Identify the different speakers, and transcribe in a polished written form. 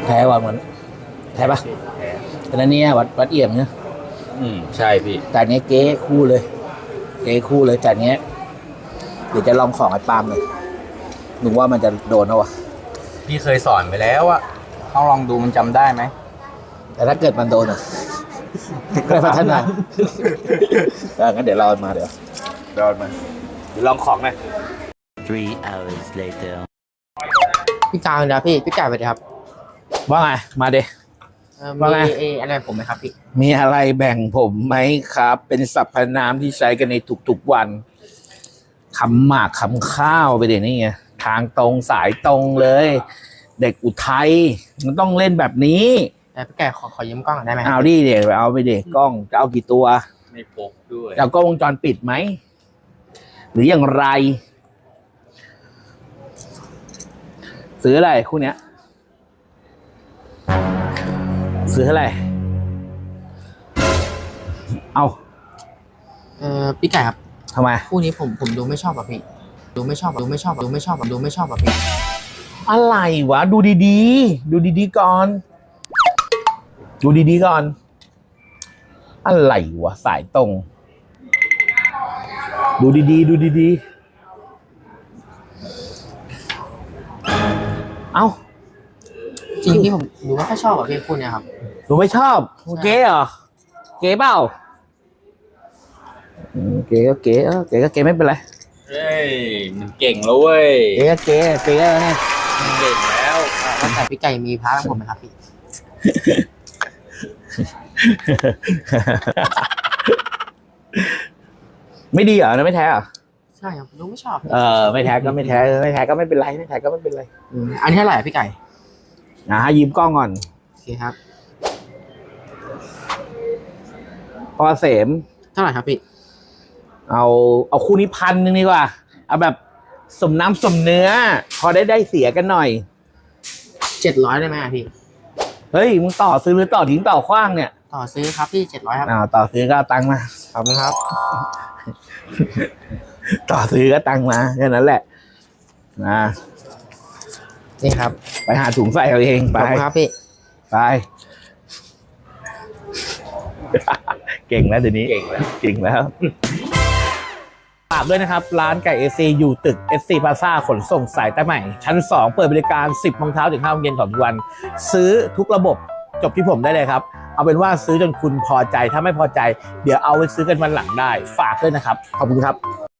Speaker 1: ท้ว่ะเหมือนแท้ปะแต่นั้นเนี่ยวัดเอี่ยมเนี่ย
Speaker 2: ใช่พี่
Speaker 1: จานนี้เก๊คู่เลยเก๊คู่เลยจานนี้เดี๋ยวจะลองของไอ้ปาล์มเลยหนูว่ามันจะโดนเอาวะ
Speaker 2: พี่เคยสอนไปแล้วอะต้องลองดูมันจำได้ไหม
Speaker 1: แต่ถ้าเกิดมันโดนอ่ะ ก็พัฒนางั้นเดี๋ยวรอมาเดี๋ยวรอมาเดี๋ยวลองของหน่อย
Speaker 3: 3 hours later
Speaker 4: พี่กาวนะพี่กาวไปเลยครับ
Speaker 1: ว่าไงมาเด ว่าไง
Speaker 4: มีอะไรผมไหมครับพี่
Speaker 1: มีอะไรแบ่งผมไหมครับ เป็นสรรพนามที่ใช้กันในทุกๆวันคำหมากคำข้าวไปเดี๋ยวนี้ไงทางตรงสายตรงเลย เด็กอุทัยมันต้องเล่นแบบนี้
Speaker 4: แต่พี่แกขอยืมกล้องหน่อยได้ไหม
Speaker 1: เอาดิเด็กเอาไปเด็กกล้องจะเอากี่ตัว
Speaker 2: ไม่พกด้วย
Speaker 1: จะเอากล้องวงจรปิดไหมหรืออย่างไร ซื้ออะไรคู่เนี้ยซื้ออะไรเอา
Speaker 4: พี่ไก่ครับ
Speaker 1: ทำไม
Speaker 4: คู่นี้ผมดูไม่ชอบอ่ะพี่ดูไม่ชอบอ่ะพี่
Speaker 1: อะไรวะ ดูดีๆ ดูดีๆก่อน ดูดีๆก่อน อะไรวะ สายตรง ดูดีๆ ดูดีๆ เอ้า
Speaker 4: จริงที่ผมดูไม่ค่อยชอบอ่ะพี่คู่เนี้ยครับ
Speaker 1: หนูไม่ชอบเก๋เหรอ เก๋เปล่าเก๋ก็เก๋เก๋ก็เก๋ไม่เป็นไร
Speaker 2: เฮ้ยมันเก่งแล้วเว้ย
Speaker 1: เก๋ก็เก๋เก๋แล้วไง
Speaker 2: มันเก่งแล้ว
Speaker 4: แล้วแต่พี่ไก่มีพาร์ทของผมไหมครับพี่
Speaker 1: ไม่ดีเหรอนะไม่แท้เหรอ
Speaker 4: ใช่ครับดูไม่ชอบ
Speaker 1: ไม่แท้ก็ไม่แท้ไม่แท้ก็ไม่เป็นไรไม่แท้ก็ไม่เป็นไร
Speaker 4: อันนี้เท่าไหร่อะพี่ไก่
Speaker 1: ยืมกล้องก่อน
Speaker 4: โอเคครับ
Speaker 1: พอเสม
Speaker 4: เท่าไหร่ครับพี่
Speaker 1: เอาคู่นี้1,000ดีกว่า เอาแบบสมน้ำสมเนื้อ พอได้เสียกันหน่อย
Speaker 4: 700ได้ไหมอะพี่
Speaker 1: เฮ้ยมึงต่อซื้อหรือต่อทิ้งต่อขว้างเนี่ย
Speaker 4: ต่อซื้อครับพี่700ครับ
Speaker 1: ต่อซื้อก็เอาตังค์มา
Speaker 4: ขอบคุณครับ
Speaker 1: ต่อซื้อก็ตังค์มาแค่นั้นแหละนะ
Speaker 4: นี่ครับ
Speaker 1: ไปหาถุงใส่เอาเอง
Speaker 4: ข
Speaker 1: ไป
Speaker 4: อบคุณครับพี่
Speaker 1: ไป เก่งแล้วเดี๋ยวนี้
Speaker 2: เก่งแล้ว
Speaker 1: เก่งแล้วฝากด้วยนะครับ ร้านไก่เอซีอยู่ตึก SC Plaza ขนส่งสายใต้ใหม่ ชั้น 2 เปิดบริการ 10 โมงเช้าถึง 5 โมงเย็นของทุกวัน ซื้อทุกระบบจบที่ผมได้เลยครับ เอาเป็นว่าซื้อจนคุณพอใจ ถ้าไม่พอใจ เดี๋ยวเอาไว้ซื้อกันวันหลังได้ ฝากด้วยนะครับ ขอบคุณครับ